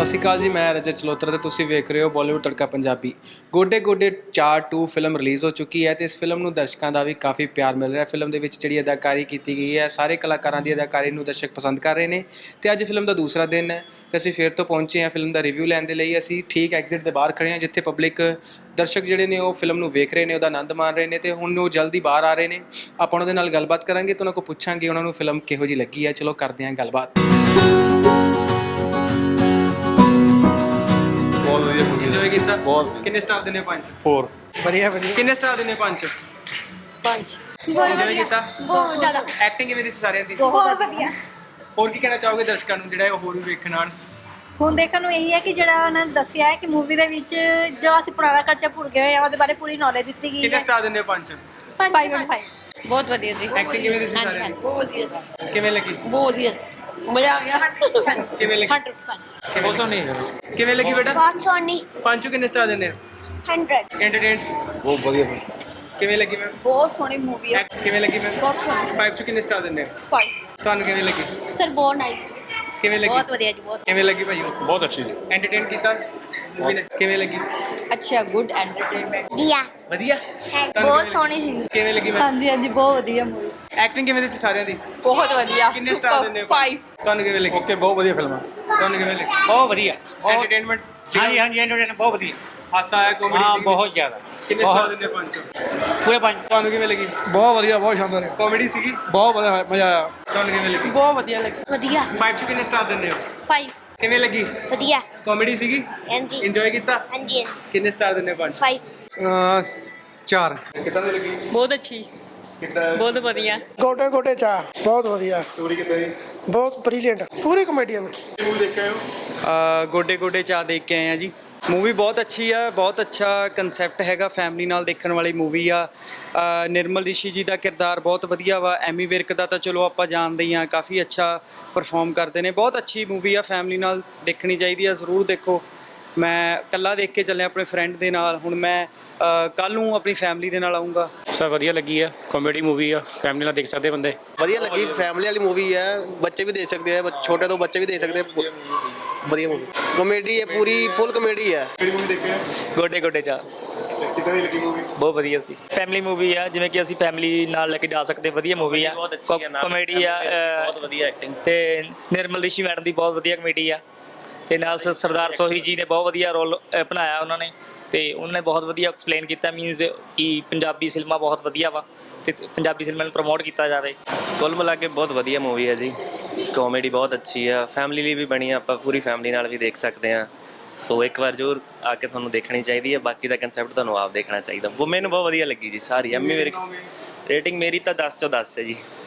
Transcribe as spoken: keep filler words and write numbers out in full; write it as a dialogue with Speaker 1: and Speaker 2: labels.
Speaker 1: ਸ਼੍ਰੀ ਅਕਾਲ ਜੀ, ਮੈਂ ਰਜਤ ਚਲੋਤਰਾ ਤੇ ਤੁਸੀਂ ਵੇਖ ਰਹੇ ਹੋ ਬਾਲੀਵੁੱਡ ਤੜਕਾ ਪੰਜਾਬੀ। ਗੋਡੇ ਗੋਡੇ ਚਾਰ ਟੂ ਫਿਲਮ ਰਿਲੀਜ਼ ਹੋ ਚੁੱਕੀ ਹੈ ਤੇ ਇਸ ਫਿਲਮ ਨੂੰ ਦਰਸ਼ਕਾਂ ਦਾ ਵੀ ਕਾਫੀ ਪਿਆਰ ਮਿਲ ਰਿਹਾ। ਫਿਲਮ ਦੇ ਵਿੱਚ ਜਿਹੜੀ ਅਦਾਕਾਰੀ ਕੀਤੀ ਗਈ ਹੈ, ਸਾਰੇ ਕਲਾਕਾਰਾਂ ਦੀ ਅਦਾਕਾਰੀ ਨੂੰ ਦਰਸ਼ਕ ਪਸੰਦ ਕਰ ਰਹੇ ਨੇ ਤੇ ਅੱਜ ਫਿਲਮ ਦਾ ਦੂਸਰਾ ਦਿਨ ਹੈ ਤੇ ਅਸੀਂ ਫਿਰ ਤੋਂ ਪਹੁੰਚੇ ਹਾਂ ਫਿਲਮ ਦਾ ਰਿਵਿਊ ਲੈਣ ਦੇ ਲਈ। ਅਸੀਂ ਠੀਕ ਐਗਜ਼ਿਟ ਦੇ ਬਾਹਰ ਖੜੇ ਹਾਂ ਜਿੱਥੇ ਪਬਲਿਕ ਦਰਸ਼ਕ ਜਿਹੜੇ ਨੇ ਉਹ ਫਿਲਮ ਨੂੰ ਵੇਖ ਰਹੇ ਨੇ, ਉਹਦਾ ਆਨੰਦ ਮਾਣ ਰਹੇ ਨੇ ਤੇ ਹੁਣ ਉਹ ਜਲਦੀ ਬਾਹਰ ਆ ਰਹੇ ਨੇ। ਆਪਾਂ ਉਹਨਾਂ ਦੇ ਨਾਲ ਗੱਲਬਾਤ ਕਰਾਂਗੇ ਤੇ ਉਹਨਾਂ ਕੋਲ ਪੁੱਛਾਂਗੇ ਉਹਨਾਂ ਨੂੰ ਫਿਲਮ ਕਿਹੋ ਜਿਹੀ ਲੱਗੀ ਹੈ। ਚਲੋ ਕਰਦੇ ਹਾਂ ਗੱਲਬਾਤ।
Speaker 2: ਬਹੁਤ ਵਧੀਆ ਮੂਵੀ
Speaker 1: ਇੰਜੋਏ ਕੀਤਾ?
Speaker 2: ਬਹੁਤ।
Speaker 1: ਕਿੰਨੇ ਸਟਾਰ ਦਿੰਦੇ ਹੋ? ਪੰਜ।
Speaker 2: ਫੋਰ।
Speaker 3: ਵਧੀਆ ਵਧੀਆ।
Speaker 1: ਕਿੰਨੇ ਸਟਾਰ ਦਿੰਦੇ ਹੋ? ਪੰਜ।
Speaker 4: ਪੰਜ।
Speaker 1: ਇੰਜੋਏ ਕੀਤਾ?
Speaker 4: ਬਹੁਤ ਜ਼ਿਆਦਾ।
Speaker 1: ਐਕਟਿੰਗ ਕਿਵੇਂ ਦੀ ਸੀ ਸਾਰਿਆਂ ਦੀ?
Speaker 4: ਬਹੁਤ ਵਧੀਆ।
Speaker 1: ਹੋਰ ਕੀ ਕਹਿਣਾ ਚਾਹੋਗੇ ਦਰਸ਼ਕਾਂ ਨੂੰ ਜਿਹੜਾ ਹੋਰ ਵੀ ਵੇਖਣ ਆਉਣ?
Speaker 4: ਹੁਣ ਦੇਖਣ ਨੂੰ ਇਹੀ ਹੈ ਕਿ ਜਿਹੜਾ ਉਹਨਾਂ ਨੇ ਦੱਸਿਆ ਹੈ ਕਿ ਮੂਵੀ ਦੇ ਵਿੱਚ ਜੋ ਅਸੀਂ ਪੁਰਾਣਾ ਕਲਚਰ ਭੁੱਲ ਗਏ ਹੋਏ ਆ ਉਹਦੇ ਬਾਰੇ ਪੂਰੀ ਨੌਲੇਜ ਦਿੱਤੀ ਗਈ
Speaker 1: ਕਿੰਨੇ
Speaker 4: ਹੈ।
Speaker 1: ਸਟਾਰ ਦਿੰਦੇ ਹੋ? ਪੰਜ।
Speaker 4: Five out five.
Speaker 5: ਬਹੁਤ ਵਧੀਆ ਜੀ।
Speaker 1: ਐਕਟਿੰਗ ਕਿਵੇਂ ਦੀ ਸੀ ਸਾਰਿਆਂ ਦੀ?
Speaker 5: ਬਹੁਤ ਵਧੀਆ।
Speaker 1: ਕਿਵੇਂ ਲੱਗੀ?
Speaker 5: ਬਹੁਤ ਵਧੀਆ। ਮਜ਼ਾ ਆ ਗਿਆ।
Speaker 1: ਕਿਵੇਂ ਲੱਗੀ?
Speaker 5: Hundred percent.
Speaker 1: ਬਹੁਤ ਸੋਹਣੀ। ਕਿਵੇਂ ਲੱਗੀ ਬੇਟਾ?
Speaker 6: ਬਹੁਤ ਸੋਹਣੀ।
Speaker 1: ਪੰਜ ਚੋਂ ਕਿੰਨੇ ਸਟਾਰ ਦਿੰਦੇ ਹੋ?
Speaker 6: ਹੰਡਰਡ।
Speaker 1: ਐਂਟਰਟੇਨਸ
Speaker 2: ਬਹੁਤ ਵਧੀਆ।
Speaker 1: ਕਿਵੇਂ ਲੱਗੀ ਮੈਮ?
Speaker 3: ਬਹੁਤ ਸੋਹਣੀ ਮੂਵੀ ਹੈ।
Speaker 1: ਐਕਟ ਕਿਵੇਂ ਲੱਗੀ ਮੈਮ?
Speaker 3: ਬਹੁਤ ਸੋਹਣੀ।
Speaker 1: ਪੰਜ ਚੋਂ ਕਿੰਨੇ ਸਟਾਰ ਦਿੰਦੇ ਹੋ?
Speaker 3: ਫਾਈਵ।
Speaker 1: ਤੁਹਾਨੂੰ ਕਿਵੇਂ ਲੱਗੀ?
Speaker 5: ਸਰ ਬਹੁਤ ਨਾਈਸ।
Speaker 1: ਕਿਵੇਂ ਲੱਗੀ?
Speaker 5: ਬਹੁਤ ਵਧੀਆ ਜੀ। ਬਹੁਤ
Speaker 1: ਕਿਵੇਂ ਲੱਗੀ ਭਾਈ?
Speaker 2: ਬਹੁਤ ਅੱਛੀ ਜੀ।
Speaker 1: ਐਂਟਰਟੇਨ ਕੀਤਾ ਮੂਵੀ ਨੇ? ਕਿਵੇਂ ਲੱਗੀ?
Speaker 5: ਅੱਛਾ, ਗੁੱਡ ਐਂਟਰਟੇਨਮੈਂਟ।
Speaker 6: ਦੀਆ।
Speaker 1: ਵਧੀਆ।
Speaker 6: ਬਹੁਤ ਸੋਹਣੀ ਸੀ।
Speaker 1: ਕਿਵੇਂ ਲੱਗੀ ਮੈਮ?
Speaker 4: ਹਾਂਜੀ ਹਾਂਜੀ ਬਹੁਤ ਵਧੀਆ ਮੂਵੀ।
Speaker 1: ਐਕਟਿੰਗ ਕਿਵੇਂ ਦੀ ਸੀ ਸਾਰਿਆਂ ਦੀ?
Speaker 5: ਬਹੁਤ ਵਧੀਆ।
Speaker 1: ਕਿੰਨੇ ਸਟਾਰ ਦਿੰਦੇ ਹੋ?
Speaker 5: ਫਾਈਵ।
Speaker 1: ਤੁਹਾਨੂੰ ਕਿਵੇਂ ਲੱਗੀ?
Speaker 2: ਓਕੇ, ਬਹੁਤ ਵਧੀਆ ਫਿਲਮ ਆ।
Speaker 1: ਤੁਹਾਨੂੰ ਕਿਵੇਂ ਲੱਗੀ?
Speaker 7: ਬਹੁਤ ਵਧੀਆ।
Speaker 1: ਐਂਟਰਟੇਨਮੈਂਟ?
Speaker 7: ਹਾਂਜੀ ਹਾਂਜੀ ਐਂਟਰਟੇਨਮੈਂਟ ਬਹੁਤ ਵਧੀਆ।
Speaker 1: ਹਾਸਾ ਆਇਆ? ਕਾਮੇਡੀ
Speaker 7: ਹਾਂ
Speaker 1: ਸੀ?
Speaker 7: ਬਹੁਤ ਜ਼ਿਆਦਾ।
Speaker 1: ਕਿੰਨੇ ਸਟਾਰ
Speaker 7: ਬਹੁਤ
Speaker 1: ਦਿੰਦੇ ਹੋ? ਪੰਜ ਚੋਂ?
Speaker 7: ਪੂਰੇ ਪੰਜ।
Speaker 1: ਤੁਹਾਨੂੰ ਕਿਵੇਂ ਲੱਗੀ?
Speaker 3: ਬਹੁਤ ਵਧੀਆ, ਬਹੁਤ ਸ਼ਾਨਦਾਰ ਹੈ।
Speaker 1: ਕਾਮੇਡੀ ਸੀਗੀ?
Speaker 3: ਬਹੁਤ ਵਧੀਆ, ਮਜ਼ਾ ਆਇਆ।
Speaker 1: ਤੁਹਾਨੂੰ ਕਿਵੇਂ ਲੱਗੀ?
Speaker 5: ਬਹੁਤ ਵਧੀਆ ਲੱਗੀ।
Speaker 6: ਵਧੀਆ।
Speaker 1: ਪੰਜ ਚੋਂ ਕਿੰਨੇ ਸਟਾਰ ਦਿੰਦੇ ਹੋ?
Speaker 6: ਫਾਈਵ।
Speaker 1: ਕਿਵੇਂ ਲੱਗੀ?
Speaker 6: ਵਧੀਆ।
Speaker 1: ਕਾਮੇਡੀ ਸੀਗੀ?
Speaker 6: ਹਾਂਜੀ।
Speaker 1: ਇੰਜੋਏ ਕੀਤਾ?
Speaker 6: ਹਾਂਜੀ ਹਾਂਜੀ।
Speaker 1: ਕਿੰਨੇ ਸਟਾਰ ਦਿੰਦੇ ਹੋ? ਪੰਜ।
Speaker 6: ਫਾਈਵ।
Speaker 3: ਚਾਰ।
Speaker 2: ਕਿੱਦਾਂ ਦੀ ਲੱਗੀ?
Speaker 5: ਬਹੁਤ ਅੱਛੀ।
Speaker 2: ਕਿੱਦਾਂ?
Speaker 5: ਬਹੁਤ ਵਧੀਆ।
Speaker 3: ਗੋਡੇ ਗੋਡੇ ਚਾ ਬਹੁਤ ਵਧੀਆ।
Speaker 2: ਸਟੋਰੀ ਕਿੱਦਾਂ ਦੀ?
Speaker 3: ਬਹੁਤ ਬ੍ਰਿਲੀਅੰਟ, ਪੂਰੀ ਕਮੇਡੀਅਨ।
Speaker 2: ਮੂਵੀ ਦੇਖ ਕੇ ਆਏ ਹੋ?
Speaker 8: ਗੋਡੇ ਗੋਡੇ ਚਾਹ ਦੇਖ ਕੇ ਆਏ ਆ ਜੀ। ਮੂਵੀ ਬਹੁਤ ਅੱਛੀ ਆ, ਬਹੁਤ ਅੱਛਾ ਕਨਸੈਪਟ ਹੈਗਾ, ਫੈਮਿਲੀ ਨਾਲ ਦੇਖਣ ਵਾਲੀ ਮੂਵੀ ਆ। ਅ, ਨਿਰਮਲ ਰਿਸ਼ੀ ਜੀ ਦਾ ਕਿਰਦਾਰ ਬਹੁਤ ਵਧੀਆ ਵਾ। ਐਮੀ ਵਿਰਕ ਦਾ ਤਾਂ ਚਲੋ ਆਪਾਂ ਜਾਣਦੇ ਹੀ ਆ, ਕਾਫੀ ਅੱਛਾ ਪਰਫਾਰਮ ਕਰਦੇ ਨੇ। ਬਹੁਤ ਅੱਛੀ ਮੂਵੀ ਆ, ਫੈਮਿਲੀ ਨਾਲ ਦੇਖਣੀ ਚਾਹੀਦੀ ਆ, ਜ਼ਰੂਰ ਦੇਖੋ। ਮੈਂ ਇਕੱਲਾ ਦੇਖ ਕੇ ਚੱਲਿਆ ਆਪਣੇ ਫਰੈਂਡ ਦੇ ਨਾਲ, ਹੁਣ ਮੈਂ ਕੱਲ੍ਹ ਨੂੰ ਆਪਣੀ ਫੈਮਿਲੀ ਦੇ ਨਾਲ ਆਊਂਗਾ।
Speaker 9: ਸਭ ਵਧੀਆ ਲੱਗੀ ਹੈ, ਕਾਮੇਡੀ ਮੂਵੀ ਆ, ਫੈਮਿਲੀ ਨਾਲ ਦੇਖ ਸਕਦੇ ਬੰਦੇ।
Speaker 10: ਵਧੀਆ ਲੱਗੀ, ਫੈਮਿਲੀ ਵਾਲੀ ਮੂਵੀ ਹੈ, ਬੱਚੇ ਵੀ ਦੇਖ ਸਕਦੇ ਆ, ਛੋਟੇ ਤੋਂ ਬੱਚੇ ਵੀ ਦੇਖ ਸਕਦੇ ਆ। ਵਧੀਆ ਮੂਵੀ, ਕਾਮੇਡੀ ਹੈ, ਪੂਰੀ ਫੁੱਲ ਕਾਮੇਡੀ ਹੈ।
Speaker 2: ਕਿਹੜੀ ਮੂਵੀ ਦੇਖੇ ਆ?
Speaker 7: ਗੋਡੇ ਗੋਡੇ ਚਾ
Speaker 2: ਕਿੱਦਾਂ ਦੀ ਲੱਗੀ ਮੂਵੀ?
Speaker 7: ਬਹੁਤ ਵਧੀਆ ਸੀ। ਫੈਮਿਲੀ ਮੂਵੀ ਆ, ਜਿਵੇਂ ਕਿ ਅਸੀਂ ਫੈਮਿਲੀ ਨਾਲ ਲੈ ਕੇ ਜਾ ਸਕਦੇ। ਵਧੀਆ ਮੂਵੀ ਆ, ਕਾਮੇਡੀ ਆ, ਬਹੁਤ ਵਧੀਆ ਐਕਟਿੰਗ ਤੇ ਨਿਰਮਲ ਰਿਸ਼ੀ ਮੈਡਮ ਦੀ ਬਹੁਤ ਵਧੀਆ ਕਮੇਡੀ ਆ ਤੇ ਨਾਲ ਸ- ਸਰਦਾਰ ਸੋਹੀ ਜੀ ਨੇ ਬਹੁਤ ਵਧੀਆ ਰੋਲ ਬਣਾਇਆ ਉਹਨਾਂ ਨੇ ਤੇ ਉਹਨਾਂ ਨੇ ਬਹੁਤ ਵਧੀਆ ਐਕਸਪਲੇਨ ਕੀਤਾ। ਮੀਨਸ ਕਿ ਪੰਜਾਬੀ ਸਿਨੇਮਾ ਬਹੁਤ ਵਧੀਆ ਵਾ ਤੇ ਪੰਜਾਬੀ ਸਿਨੇਮਾ ਨੂੰ ਪ੍ਰਮੋਟ ਕੀਤਾ ਜਾਵੇ।
Speaker 10: ਕੁੱਲ ਮਿਲਾ ਕੇ ਬਹੁਤ ਵਧੀਆ ਮੂਵੀ ਹੈ ਜੀ, ਕਾਮੇਡੀ ਬਹੁਤ ਅੱਛੀ ਆ, ਫੈਮਿਲੀ ਲਈ ਵੀ ਬਣੀ ਆ, ਆਪਾਂ ਪੂਰੀ ਫੈਮਿਲੀ ਨਾਲ ਵੀ ਦੇਖ ਸਕਦੇ ਹਾਂ। ਸੋ ਇੱਕ ਵਾਰ ਜ਼ਰੂਰ ਆ ਕੇ ਤੁਹਾਨੂੰ ਦੇਖਣੀ ਚਾਹੀਦੀ ਹੈ। ਬਾਕੀ ਦਾ ਕਨਸੈਪਟ ਤੁਹਾਨੂੰ ਆਪ ਦੇਖਣਾ ਚਾਹੀਦਾ। ਉਹ ਮੈਨੂੰ ਬਹੁਤ ਵਧੀਆ ਲੱਗੀ ਜੀ ਸਾਰੀ। ਐਮੀ ਮੇਰੀ ਰੇਟਿੰਗ ਮੇਰੀ ਤਾਂ ਦਸ ਚੋਂ ਦਸ ਹੈ ਜੀ।